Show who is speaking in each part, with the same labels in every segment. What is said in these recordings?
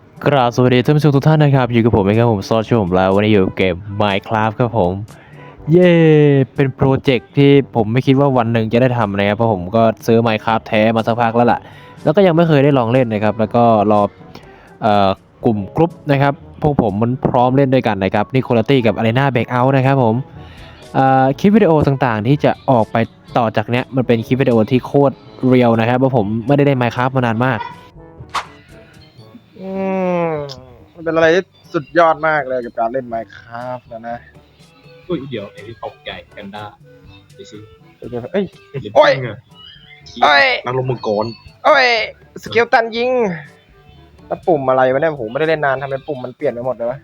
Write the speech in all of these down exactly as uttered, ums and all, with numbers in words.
Speaker 1: กราบสวัสดีท่านผู้ชมทุกท่านนะครับอยู่กับผมเองครับผมซอชผมแล้ววันนี้อยู่เกม Minecraft ครับผมเย้เป็นโปรเจกต์ที่ผมไม่คิดว่าวันหนึ่งจะได้ทำนะครับเพราะผมก็ซื้อ Minecraft แท้มาสักพักแล้วล่ะแล้วก็ยังไม่เคยได้ลองเล่นนะครับแล้วก็รอเอ่อกลุ่มกรุ๊ปนะครับพวกผมมันพร้อมเล่นด้วยกันนะครับนี่คุณตี้กับ Arena Breakout นะครับผมเอ่อคลิปวิดีโอต่างๆที่จะออกไปต่อจากเนี้ยมันเป็นคลิปวิดีโอที่โคตรเรียลนะครับเพราะผมไม่ได้เล่น Minecraft มานานมาก
Speaker 2: อืมมันเป็นอะไรที่สุดยอดมากเลยกับการเล่น Minecraft นะนะ
Speaker 3: อุ้ยเดี๋ยวไอ้ที่ตกใหญ่แพนด้าไปสิ
Speaker 2: เดี๋ยวๆเอ้ย
Speaker 3: ลิป
Speaker 2: โอ้ย
Speaker 3: ปิ้งอะ
Speaker 2: โอ้ย
Speaker 3: นักลงมังกร
Speaker 2: โอ้ยสเกลตันยิงแล้วปุ่มอะไรวะเนี่ยผมไม่ได้เล่นนานทำไมปุ่มมันเปลี่ยนไปหมดเลยวะ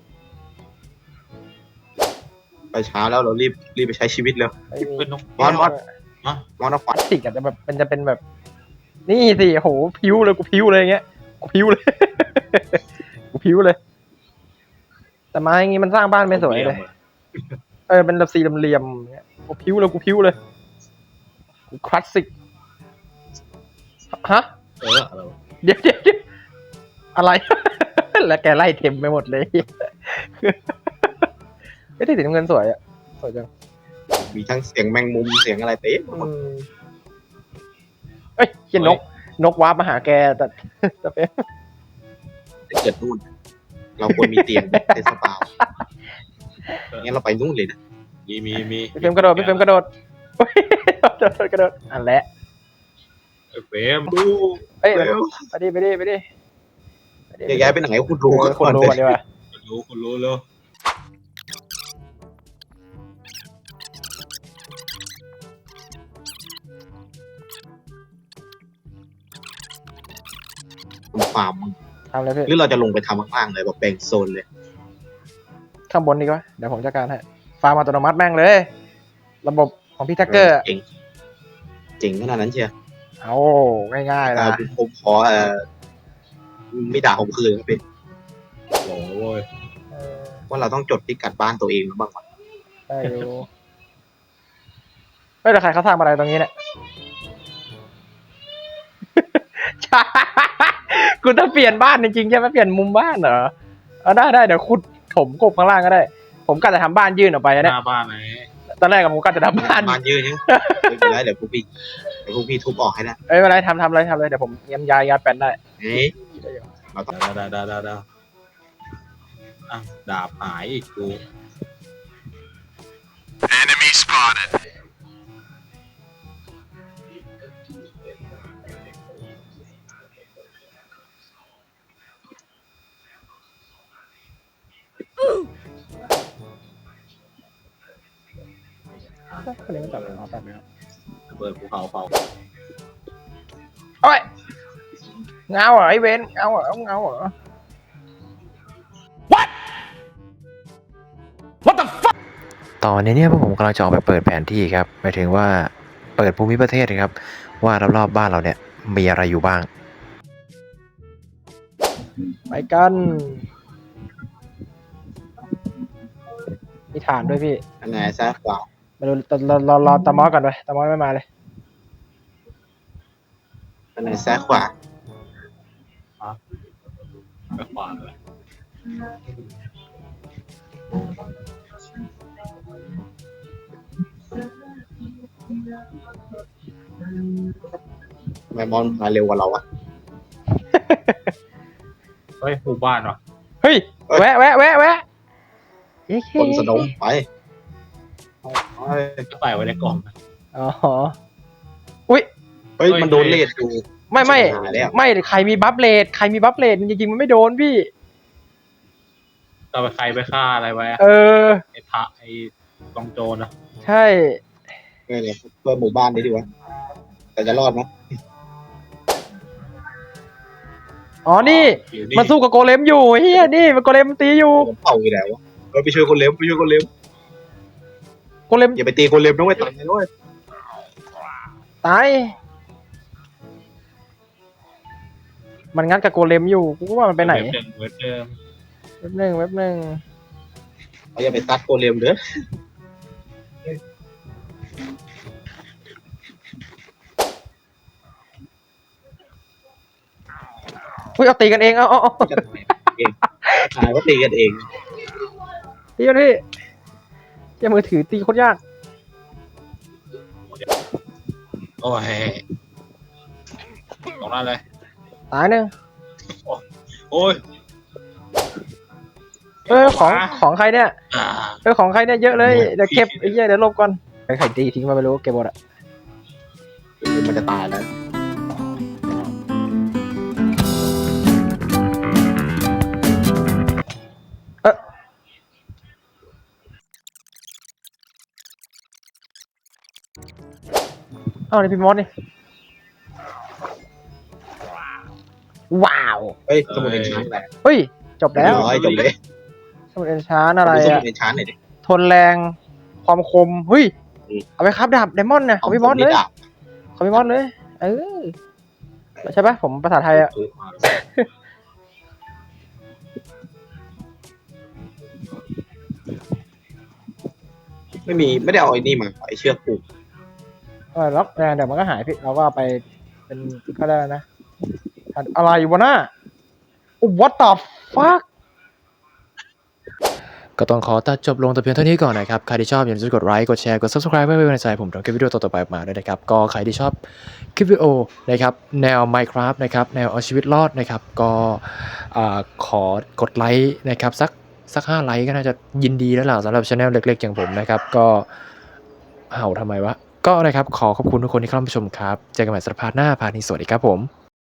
Speaker 3: ไปเช้าแล้วเรารีบรีบไปใช้ชีวิตแล้ว
Speaker 2: ไอ้
Speaker 3: เป็นนกมอนมอนมามอนเอาขวัญ
Speaker 2: ติกอาจจะแบบมันจะเป็นแบบ นี่สิโหพิ้วเลยกูพิ้วเลยอย่างเงี้ยกูพิ้วเลย กูพิ้วเลย แต่ไม้อย่างงี้มันสร้างบ้านไม่สวยเลย เออเป็นแบบสี่เหลี่ยมๆอย่างเงี้ยกูพิ้วเลยกูพิ้วเลยกูคลาสสิกฮะ
Speaker 3: เอออะไรวะ
Speaker 2: เดี๋ยวเดี๋ยวเดี๋ยวอะไร แล้วแกไล่เทมไปหมดเลย ไม่ได้สีน้ำเงินสวยอ่ะสวยจัง
Speaker 3: มีทั้งเสียงแมงมุมเสียงอะไรเต็มไปหมด
Speaker 2: อืมเอ้ยเขียนนก นกวาร์ปมาหาแกแต่ แต่เป็น
Speaker 3: ถ้าเกิดนู่น เราควรมีเตียงเทสปาวงั้นเราไปนู่นเลยนะมีมีมี
Speaker 2: พี่เฟรมกระโดดพี่เฟรมกระโดดโอ้ยกระโดดกระโดดอันแหละ
Speaker 3: เฟรมดู
Speaker 2: เอ้ย
Speaker 3: เร็ว
Speaker 2: ไปดิไปดิไปดิไปดิ
Speaker 3: แยกย้ายไปไหนคุณรู้
Speaker 2: เออคนรู้ก่อนดีกว่า
Speaker 3: คุณรู้คุณรู้แล้วคุณฟาร์ม
Speaker 2: ทำเลยพี่
Speaker 3: หรือเราจะลงไปทำข้างๆเลยแบบแบ่งโซนเลย
Speaker 2: ข้างบนดีกว่าเดี๋ยวผมจัดการให้ฟาร์มอัตโนมัติแม่งเลย ระบบของพี่แท็กเกอร์
Speaker 3: เจ๋งเจ๋งขนาดนั้นเชียว
Speaker 2: เอาง่ายๆ
Speaker 3: อ่า
Speaker 2: นะ
Speaker 3: ผมผมขอเอ่อไม่ด่าผมคืนครับพี่โอ้ย
Speaker 2: เออ
Speaker 3: ว่าเราต้องจดพิกัดบ้านตัวเองบ้างก่อน
Speaker 2: ได้อยู่เฮ้ยแต่ใครเขาสร้างอะไรตรงนี้เนี่ย คุณต้องเปลี่ยนบ้านจริงๆใช่ไหมเปลี่ยนมุมบ้านเหรอเอาได้ได้เดี๋ยวขุดถมกบข้างล่างก็ได้ ผมก็จะทำบ้านยื่นออกไป
Speaker 3: ห
Speaker 2: เนี่ย
Speaker 3: น้าบ้านไหน
Speaker 2: ตอนแรกกับผมก็จะทำบ้าน
Speaker 3: บ้านยืนยังไม่เป็นไรเดี๋ยวพวกพี่เดี๋ยวพวกพี่ทุบออกให้นะ
Speaker 2: เอ้ยไม่เป็นไรทำทำเลยทำเลยเดี๋ยวผมเยียมยายยาแปนได้
Speaker 3: เฮ้ยเราต้องดาดาดาดาดาอ่ะดาบหายอีกกู
Speaker 4: Enemy spotted.
Speaker 2: คนนี้ไม่จับเลยเอาแป๊บนึงครับ
Speaker 3: เปิดภูเขาเผา
Speaker 2: โอ้ยเงาเหรอไอ้เวนเงาเหรอเงาเหรอ
Speaker 1: ตอนนี้เนี่ยพวกผมกำลังจะออกไปเปิดแผนที่ครับหมายถึงว่าเปิดภูมิประเทศนะครับว่ารอบๆบ้านเราเนี่ยมีอะไรอยู่บ้าง
Speaker 2: ไปกันมีฐานด้วยพี่
Speaker 3: อันไหนซ้ายขวา
Speaker 2: มาดูรอรอรอตามอก่อนไปตามอไม่มาเลย
Speaker 3: อันไหนซ้ายขวา
Speaker 5: ไปขวาเลย
Speaker 3: ทำไมมอนมาเร็วกว่าเราอะ
Speaker 5: เฮ้ยหมู่บ้านวะ
Speaker 2: เฮ้ยแวะแวะแวะแวะเย้
Speaker 3: คนสนมไปไป
Speaker 5: จะใส่ไว้ในกล่องนะ
Speaker 2: อ๋ออุ้ย
Speaker 3: เฮ้ยมันโดนเลดอยู่
Speaker 2: ไม่ไม่
Speaker 3: หายแล้ว
Speaker 2: ไม่ใครมีบัฟเลดใครมีบัฟเลดจริงๆมันไม่โดนพี่
Speaker 5: เราไปใครไปฆ่าอะไรไว้อะ
Speaker 2: เออ
Speaker 5: ไอ้พระไอ้กองโจรนะ
Speaker 2: ใช่
Speaker 3: เออเนี่ยเพื่อหมู่บ้านนี้ดีวะแต่จะรอดไหม
Speaker 2: อ๋อนี่
Speaker 5: อยู่นี่
Speaker 2: มาสู้กับโกเลมอยู่เฮียนี่มันโกเลมตีอยู่
Speaker 3: ผมเผาอยู่แล้ววะเออไปช่วยคนเล็บไปช่วยคนเล็บ
Speaker 2: โกเลม
Speaker 3: อย่าไปตีคนเล็บนะเว้ยตายนะเว้ย
Speaker 2: ตายมันงัดกับโกเลมอยู่กูก็ว่ามันไปไหน
Speaker 5: เว็บเดิมเว็บเดิม
Speaker 2: เว็บหนึ่งเว็บหนึ่ง
Speaker 3: เราอย่าไปตัดโกเลมเด้อ
Speaker 2: อุ้ยเอาตีกันเองเอาเอาเอา
Speaker 3: จะทำไมเองตายก็ตีกันเอง
Speaker 2: ตีกันพี่เจ้ามือถือตีโคตรยาก
Speaker 5: โอ้ยตรงนั้นเลย
Speaker 2: ตายหนึ่ง
Speaker 5: โอ้ย
Speaker 2: เออของของใครเนี่ย
Speaker 5: อ่า
Speaker 2: เออของใครเนี่ยเยอะเลยเดี๋ยวเก็บไอ้เหี้ยเดี๋ยวลบก่อนใครใครตีทิ้งมาไม่รู้เก็บหมดอะ
Speaker 3: มันจะตายแล้ว
Speaker 2: เอ้านี่พี่มอสนี่ว้าว
Speaker 3: เฮ้ยสมุดเอนชานแหละ
Speaker 2: เฮ้ยจบแล้ว
Speaker 3: ร้อยจบเลย
Speaker 2: สมุดเอนชานอะไร
Speaker 3: ดูสมุ
Speaker 2: อะ
Speaker 3: ดเอนชานหน่อยดิ
Speaker 2: ทนแรงความคมเฮ้ยเอาไปครับดาบไดมอนด์เนี่ยของพี่มอสเลย
Speaker 3: ดาบ
Speaker 2: ของพี่มอสเลยเออใช่ปะผมภาษาไทยอะ
Speaker 3: ไม่มีไม่ได้เอาไอ้นี่มาไอ้เชือกผูก
Speaker 2: เออแล้วเดี๋ยวมันก็หายพี่เราก็เอาไปเป็นก็ได้นะอะไรวะน่ะ what the fuck
Speaker 1: ก็ต้องขอตัดจบลงแต่เพียงเท่านี้ก่อนนะครับ ใครที่ชอบอย่าลืมกดไลค์กดแชร์กด ซับสไครบ์ เพื่อเป็นกำลังใจให้ผมทำคลิปวิดีโอต่อๆไปออกมาด้วยนะครับ ก็ใครที่ชอบคลิปวิดีโอนะครับแนว Minecraft นะครับแนวเอาชีวิตรอดนะครับก็อ่าขอกดไลค์นะครับสักสักห้าไลค์ก็น่าจะยินดีแล้วล่ะสำหรับช anel เล็กๆอย่างผมนะครับก็เห่าทำไมวะก็นะครับขอขอบคุณทุกคนที่เข้ามาชมครับเจอกันใหม่สัปดาห์หน้าพาร์ทนี้สวัสดีครับผม